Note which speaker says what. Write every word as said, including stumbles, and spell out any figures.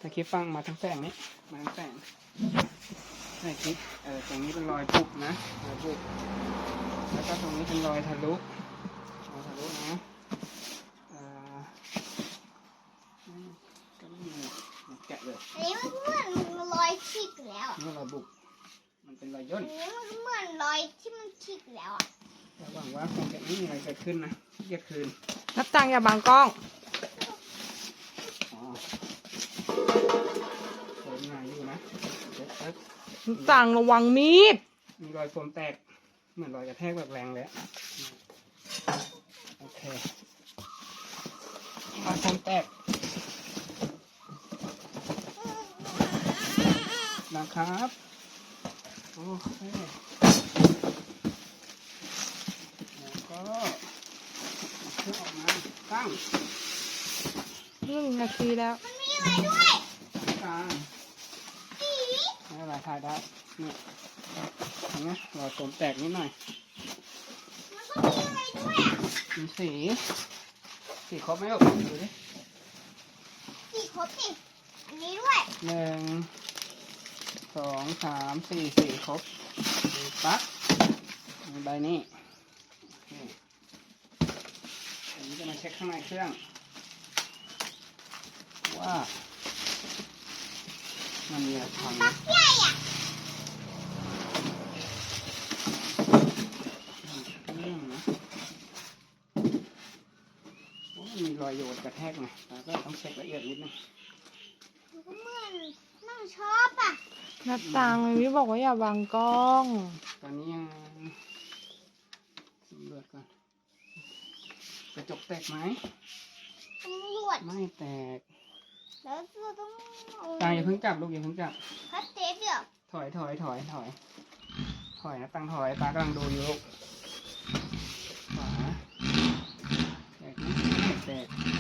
Speaker 1: ในคลิปฟังมาทั้งแสงนี้มาทั้งแสงในคลิปเออตรงนี้เป็นรอยบุบนะรอยบุบแล้วก็ตรงนี้เป็นรอยทะลุรอยทะลุนะอ่าก็ไม่มีแกะเลย
Speaker 2: อันนี้มันเหมือนรอยฉีกแล้วอ่ะ
Speaker 1: นี่รอยบุบมันเป็นรอยย่น
Speaker 2: อันนี้มันเหมือนรอยที่มันฉีกแล้วอ่ะ
Speaker 1: หวังว่าคงจะไม่มีอะไรเกิดขึ้นนะเรียกคืน
Speaker 3: นับตังอย่าบังกล้อง
Speaker 1: อ๋อโฟมหนาอยู่นะเด็ดปึ๊บ
Speaker 3: นับตังระวังมีด
Speaker 1: มีรอยโฟมแตกเหมือนรอยกระแทกแบบแรงเลยโอเครอยโฟมแตกนะครับโอเคแล้วก็เครื่องออกมาตั้ง
Speaker 3: หนึ่งนาทีแล้ว
Speaker 2: มันมีอะไรด้วย
Speaker 1: กลาง
Speaker 2: สี
Speaker 1: ไม่เป็นไรถ่ายได้นี่เห็นไหมรอยโฟมแตกนิดหน่อย
Speaker 2: มันก็มีอะไรด้วยอ่ะ
Speaker 1: มีสีสีครบไหมลูกดูดิ
Speaker 2: สีครบสิอันนี้ด้วย
Speaker 1: หนึ่งสองสามสี่สี่ครบดูปั๊บมีใบนี้อันนี้จะมาเช็คข้างในเครื่องว่ามันมีอะไรพัง
Speaker 2: ปักใหญ่อ่ะ
Speaker 1: เครื่องนะโอ้มีรอยโยนกระแทกไงแต่ก็ต้องเช็คละเอียดนิดนึง
Speaker 2: มันก็เหมือนนั่งชอบอ่ะ
Speaker 3: นับตังวิบอกว่าอย่าบังกล้อง
Speaker 1: ตอนนี้ยังสำรวจก่อนกระจกแตกไหม
Speaker 2: ตำรวจ
Speaker 1: ไม่แตก
Speaker 2: แล้วเราต้อง
Speaker 1: ตาอย่าเพิ่งจับลูกอย่าเพิ่งจับ
Speaker 2: คัดเทปเดี๋ยว
Speaker 1: ถอยถอยถอยถอยถอยนะตังถอยตากำลังดูอยู่ลูกขวาแตกไหมไม่แตก